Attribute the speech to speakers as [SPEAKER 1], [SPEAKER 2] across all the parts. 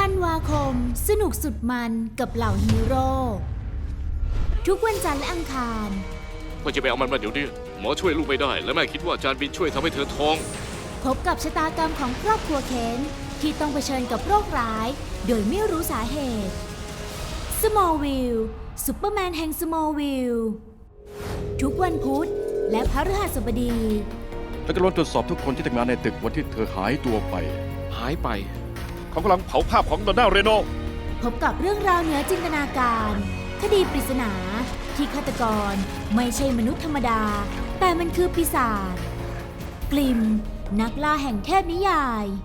[SPEAKER 1] ธันวาคมสนุกสุดมันกับเหล่าฮีโร่ทุกวันจันทร์และอังคาร
[SPEAKER 2] ก็จะไปเอามันมาเดี๋ยวนี้หมอช่วยลูกไม่ได้ และแม่คิดว่าจานบินช่วยทำให้เธอท้อง
[SPEAKER 1] พบกับชะตากรรมของครอบครัวเคนที่ต้องเผชิญกับโรคร้ายโดยไม่รู้สาเหตุสมอลวิลซุปเปอร์แมนแห่งสมอลวิลทุกวันพุธและพฤหัสบดี
[SPEAKER 3] และจะล้วนตรวจสอบทุกคนที่ทำงานในตึกวันที่เธอหายตัวไป
[SPEAKER 2] หายไป
[SPEAKER 4] เขากำลังเผาภาพของดอนน่าเรโน
[SPEAKER 1] พบกับเรื่องราวเหนือจินตนาการ คดีปริศนาที่ฆาตกรไม่ใช่มนุษย์ธรรมดา แต่มันคือปีศาจกลิมนักล่าแห่งเทพนิยาย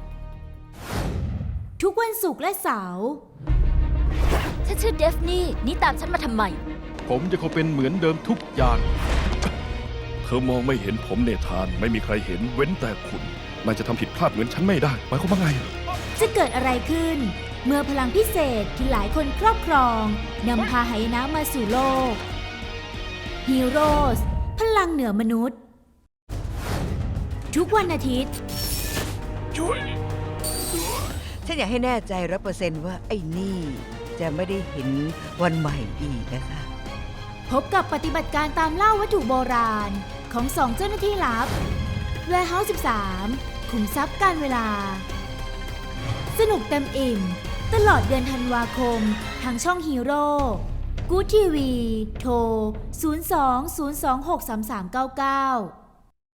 [SPEAKER 1] ทุกวันศุกร์และเสาร์
[SPEAKER 5] ฉันชื่อเดฟนี่ตามฉันมาทำไม
[SPEAKER 3] ผมจะคงเป็นเหมือนเดิมทุกอย่าง
[SPEAKER 4] เธอมองไม่เห็นผมเนธานไม่มีใครเห็นเว้นแต่คุณนายจะทำผิดพลาดเหมือนฉันไม่ได้หมายความว่าไง
[SPEAKER 1] จะเกิดอะไรขึ้น เมื่อพลังพิเศษที่หลายคนครอบครองนำพาหายนะมาสู่โลกฮีโร่พลังเหนือมนุษย์ ทุกวันอาทิตย์
[SPEAKER 6] ฉันอยากให้แน่ใจ100%ว่าไอ้นี่จะไม่ได้เห็นวันใหม่อีกนะคะ
[SPEAKER 1] พบกับปฏิบัติการตามล่าวัตถุโบราณของสองเจ้าหน้าที่ลับ Warehouse 13 ขุมทรัพย์การเวลา สนุกเต็มอิ่ม ตลอดเดือนธันวาคม ทางช่องฮีโร่กู๊ดทีวีโทร 02-026-3399